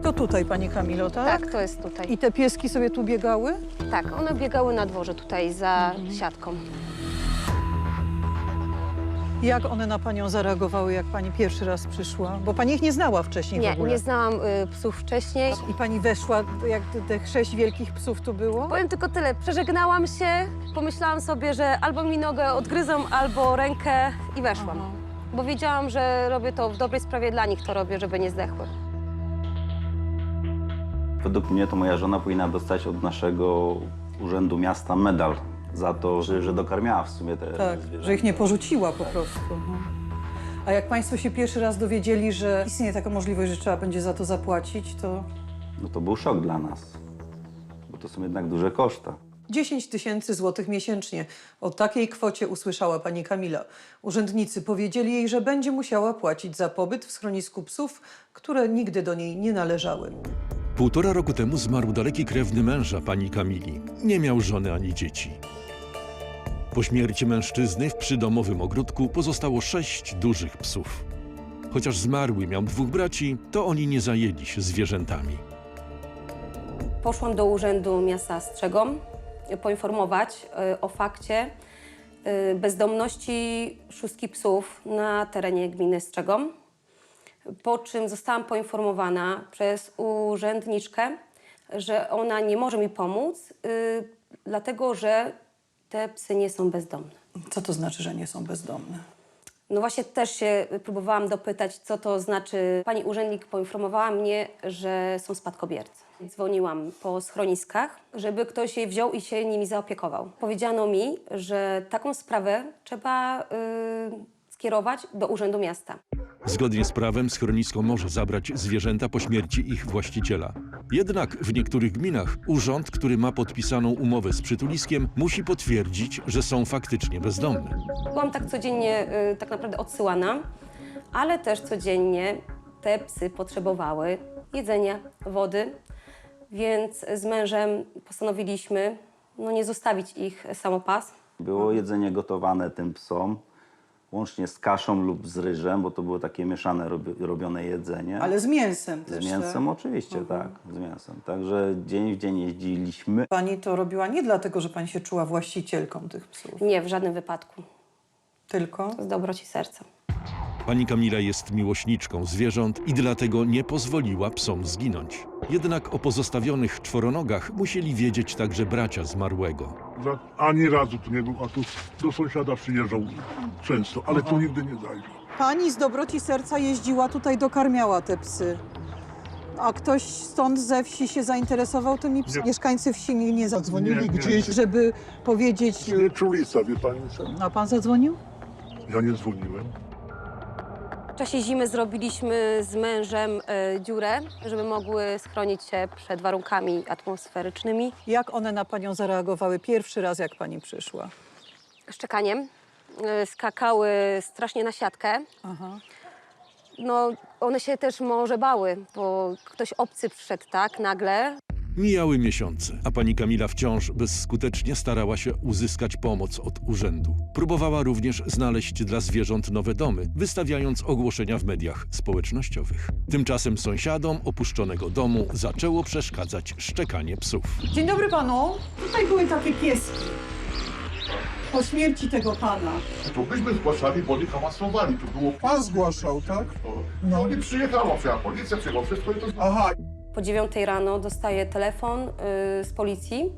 To tutaj, pani Kamilo, tak? Tak, to jest tutaj. I te pieski sobie tu biegały? Tak, one biegały na dworze tutaj za siatką. Jak one na panią zareagowały, jak pani pierwszy raz przyszła? Bo pani ich nie znała wcześniej w Nie, ogóle. nie znałam psów wcześniej. I pani weszła, jak tych 6 wielkich psów tu było? Powiem tylko tyle, przeżegnałam się, pomyślałam sobie, że albo mi nogę odgryzą, albo rękę i weszłam. Aha. Bo wiedziałam, że robię to w dobrej sprawie dla nich, to robię, żeby nie zdechły. Według mnie to moja żona powinna dostać od naszego urzędu miasta medal za to, że dokarmiała w sumie te Tak, zwierzęta. że ich nie porzuciła po prostu. A jak państwo się pierwszy raz dowiedzieli, że istnieje taka możliwość, że trzeba będzie za to zapłacić, to No to był szok dla nas, bo to są jednak duże koszta. 10 000 złotych miesięcznie. O takiej kwocie usłyszała pani Kamila. Urzędnicy powiedzieli jej, że będzie musiała płacić za pobyt w schronisku psów, które nigdy do niej nie należały. 1,5 roku temu zmarł daleki krewny męża pani Kamili. Nie miał żony ani dzieci. Po śmierci mężczyzny w przydomowym ogródku pozostało 6 dużych psów. Chociaż zmarły miał 2 braci, to oni nie zajęli się zwierzętami. Poszłam do Urzędu Miasta Strzegom poinformować o fakcie bezdomności 6 psów na terenie gminy Strzegom. Po czym zostałam poinformowana przez urzędniczkę, że ona nie może mi pomóc, dlatego że te psy nie są bezdomne. Co to znaczy, że nie są bezdomne? No właśnie też się próbowałam dopytać, co to znaczy. Pani urzędnik poinformowała mnie, że są spadkobiercy. Dzwoniłam po schroniskach, żeby ktoś je wziął i się nimi zaopiekował. Powiedziano mi, że taką sprawę trzeba skierować do Urzędu Miasta. Zgodnie z prawem schronisko może zabrać zwierzęta po śmierci ich właściciela. Jednak w niektórych gminach urząd, który ma podpisaną umowę z przytuliskiem, musi potwierdzić, że są faktycznie bezdomne. Byłam tak codziennie tak naprawdę odsyłana, ale też codziennie te psy potrzebowały jedzenia, wody, więc z mężem postanowiliśmy nie zostawić ich samopas. Było jedzenie gotowane tym psom, łącznie z kaszą lub z ryżem, bo to było takie mieszane robione jedzenie. Ale z mięsem też, Z mięsem tak? oczywiście, tak, z mięsem. Także dzień w dzień jeździliśmy. Pani to robiła nie dlatego, że pani się czuła właścicielką tych psów, Nie, w żadnym wypadku. tylko Z dobroci serca. Pani Kamila jest miłośniczką zwierząt i dlatego nie pozwoliła psom zginąć. Jednak o pozostawionych czworonogach musieli wiedzieć także bracia zmarłego. Ani razu tu nie był, a tu do sąsiada przyjeżdżał często, ale tu nigdy nie zajrzał. pani z dobroci serca jeździła tutaj, dokarmiała te psy. A ktoś stąd ze wsi się zainteresował tymi psami? Nie. Mieszkańcy wsi nie zadzwonili Nie, nie, gdzieś, nie. żeby powiedzieć... Nie czulica, wie pani co? A pan zadzwonił? Ja nie dzwoniłem. W czasie zimy zrobiliśmy z mężem dziurę, żeby mogły schronić się przed warunkami atmosferycznymi. Jak one na panią zareagowały pierwszy raz, jak pani przyszła? Szczekaniem. Skakały strasznie na siatkę. Aha. No, one się też może bały, bo ktoś obcy przyszedł tak nagle. Mijały miesiące, a pani Kamila wciąż bezskutecznie starała się uzyskać pomoc od urzędu. Próbowała również znaleźć dla zwierząt nowe domy, wystawiając ogłoszenia w mediach społecznościowych. Tymczasem sąsiadom opuszczonego domu zaczęło przeszkadzać szczekanie psów. Dzień dobry panu. Tutaj były takie pieski. Po śmierci tego pana. To byśmy zgłaszali, bo oni hałasowali. To było Pan zgłaszał, tak? No i przyjechała policja, przyjechała wszystko i to... Aha. Po 9 rano dostaję telefon z policji,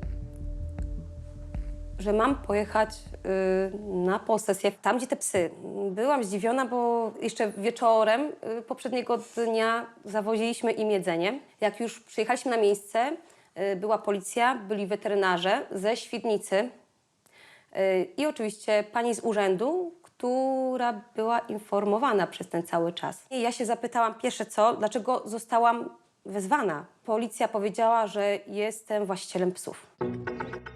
że mam pojechać na posesję tam, gdzie te psy. Byłam zdziwiona, bo jeszcze wieczorem poprzedniego dnia zawoziliśmy im jedzenie. Jak już przyjechaliśmy na miejsce, była policja, byli weterynarze ze Świdnicy i oczywiście pani z urzędu, która była informowana przez ten cały czas. I ja się zapytałam pierwsze co, dlaczego zostałam wezwana. Policja powiedziała, że jestem właścicielem psów.